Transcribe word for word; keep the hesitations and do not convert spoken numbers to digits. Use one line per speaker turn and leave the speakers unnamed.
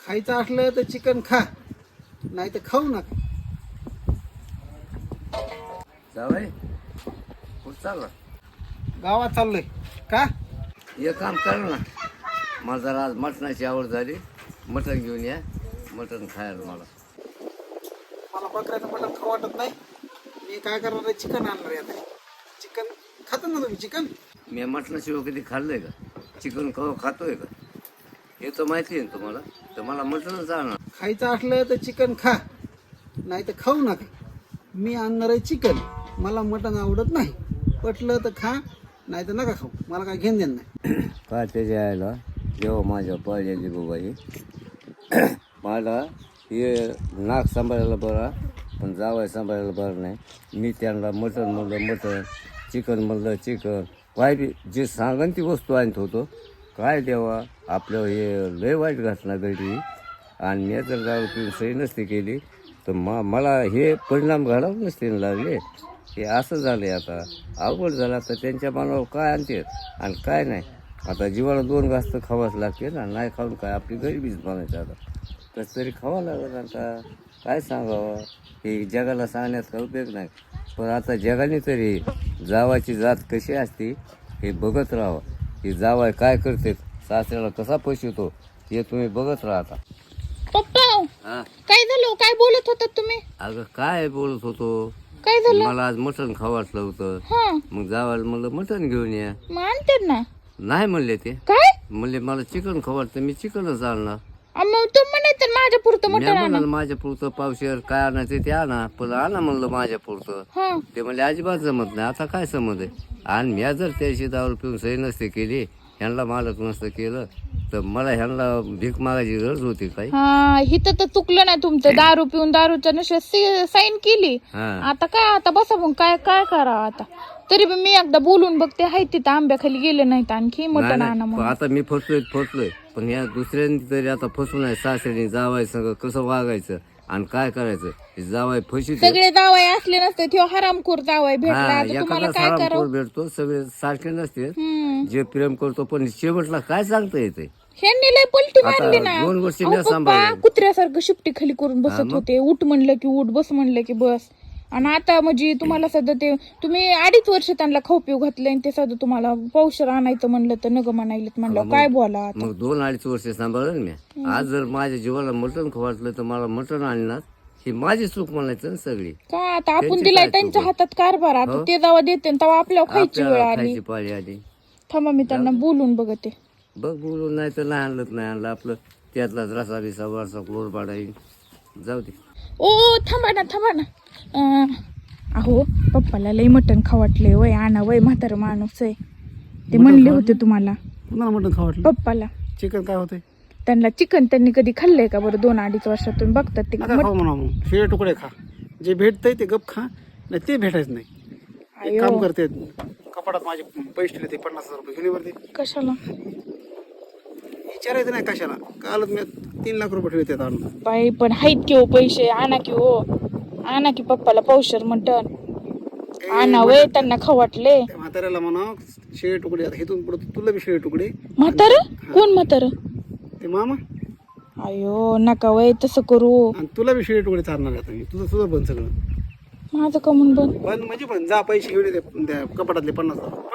खायचं असलं तर चिकन खा, नाही तर खाऊ नका.
जावई कुठं चालला?
गावात चाललोय. का?
एक काम कर ना, मला जरा आज मटणाची आवड झाली, मटण घेऊन या, मटण खायला मला.
मला बकऱ्याचं मटण खाऊ वाटत नाही. मी काय करणार आहे, चिकन आणणार आहे आता. चिकन खाता ना तुम्ही? चिकन
मी मटणाशिवाय कधी खाल्लंय का? चिकन खाऊ खातोय का? हे तर माहिती आहे ना तुम्हाला, तर मला मटणच आणणार.
खायचं असलं तर चिकन खा, नाही तर खाऊ नका. मी आणणार आहे चिकन. मला मटण आवडत नाही. पटलं तर खा, नाही तर नका खाऊ. मला काय घेणं देणं नाही.
काय त्याच्या यायला जेव्हा माझ्या पाहिलेली बाबाई मला हे नाक सांभाळायला बरा, पण जावाय सांभाळायला बरं नाही. मी त्यांना मटण म्हणलं मटण, चिकन म्हणलं चिकन, काय बी जे सांगन ती वस्तू आणत होतो. काय देवा, आपलं हे लय वाईट घटना घडली. आणि मी जर दारू पिऊन सही नसती केली तर मा मला हे परिणाम घडावं नसते लागले. हे असं झालं आहे. आता अवघड झालं. आता त्यांच्या मनावर काय आणते आणि काय नाही. आता जीवाला दोन घास तर खावाच लागते ना, नाही खाऊन काय आपली गरिबीच बनायचं. आता कसं तरी खावं लागेल. आता काय सांगावं, हे जगाला सांगण्यात काय उपयोग नाही. पण आता जगाने तरी जावाची जात कशी असते हे बघत राहावं. हे जावाय काय करते, सासऱ्याला कसा फसवतो हे तुम्ही बघत राहता.
पप्पा
हा,
काय झालं? काय बोलत होतात तुम्ही?
अगं काय बोलत होतो,
काय झालं?
मला आज मटण खावं वाटलं होतं.
हा,
मग जावायला म्हणलं मटण घेऊन या.
मग आणते ना.
नाही म्हणले ते,
काय?
म्हणले मला चिकन खावं वाटतं, मी चिकनच आणणार.
अ, मग तू म्हणायचं माझ्या पुरतं
मी
मटण आणा.
म्हणाल माझ्या पुरतं पावशेर काय आणायचं ते आणा, पण आणा म्हणलं माझ्या पुरतं.
हा,
ते म्हणले अजिबात जमत नाही. आता काय समज आहे. आणि मी जर त्याशी दारू पिऊन सही नसते केली, ह्यांना मालक नसतं केलं तर मला ह्यांना भीक मागायची गरज होती काय?
हा, हिथं तर चुकलं नाही तुमचं. दारू पिऊन दारूच्या नशेत साईन केली.
हा,
आता काय, आता बसा मग काय काय करावं आता. तरी पण मी एकदा बोलून बघते. हाय तिथं आंब्याखाली गेले नाहीत आणखी
नाही,
मटण आणा
नाही.
म्हणून.
आता मी फसलोय फसलोय पण या दुसऱ्यांनी तरी आता फसून आहे. सासऱ्याने जावाय सगळं कसं वागायचं आणि काय करायचं. जावाय फशी
सगळे जावाय असले नसते, तो हरामखोर जावाय भेटला. आता तुम्हाला
एखादा
काय
सारा
करावं?
भेटतो, सगळे सारखे नसते.
हम्म,
जे प्रेम करतो पण शेवटला काय सांगता येते.
ह्यांनी लय पलटी
आता
मारली ना.
दोन वर्षी
अहो
मी
पप्पा
सांभाळलं.
कुत्र्यासारखं शिपटी खाली करून
हा
बसत
मग?
होते. उठ म्हणलं की उठ, बस म्हणलं की बस. आणि आता म्हणजे तुम्हाला सध्या ते तुम्ही अडीच वर्ष त्यांना खाऊ पिऊ घातले आणि ते सध्या तुम्हाला पावशर आणायचं म्हणलं तर नग म्हणायलेत म्हणलं.
मग-
काय बोला आता.
मग दोन अडीच वर्ष सांभाळलं ना मी. आज जर माझ्या जीवाला मटण खवाटलं तर मला मटण आणणार, ही माझी चूक म्हणायचं ना सगळी.
का आता आपण
त्यांची
दिलाय
काय
त्यांच्या
चूक?
हातात कारभार. आता
हो?
ते जेव्हा देते तेव्हा आपल्याला खायची वेळ
आपल्याला
आली.
खायची पाळी आली.
थांबा मी त्यांना बोलून बघते.
बघ बोलून नाही तर नाही आणलं नाही आणलं आपलं त्यातलाच रसा बिसा वरचा क्लोर पाडा येईल. जाऊ दे.
ओ थांबा ना थांबा ना. अं, अहो पप्पाला लय मटण खावटले. वय आणा वय म्हातार माणूस आहे. ते म्हणले होते तुम्हाला
तुम्हाला मटण खाऊ वाटलं?
पप्पाला.
चिकन काय होतंय?
त्यांना चिकन त्यांनी कधी खाल्लंय का बरं? दोन अडीच वर्षातून बघतात ते.
नका खाऊ म्हणा. मग शिळे तुकडे खा. जे भेटतंय ते गप खा, नाही ते भेटायचं नाही. एक
अयो.
काम करते, कपाटात माझे पैसे ठेवले, ते पन्नास हजार रुपये घेऊन ये वरती.
कशाला?
विचारायचं नाही कशाला. कालच मी तीन लाख रुपये ठेवले त्यात आणून.
बाई पण हाईत की हो पैसे. आणा की हो, आणा की पप्पाला पावशर मटण आणा वय. त्यांना खावटले.
त्या म्हाताऱ्याला म्हणा शिळे तुकडे. आता इथून पुढे तुला बी शिळे तुकडे.
म्हातार कोण म्हातार?
ते मामा.
अयो नका वय तसं करू.
आणि तुला बी शिळे तुकडे चालणार आता मी. तुझं तुझं बंद सगळं
माझं का म्हणून बंद?
बंद म्हणजे पण जा पैसे घेऊन ये ते- त्या कपाटातले पन्नास हजार.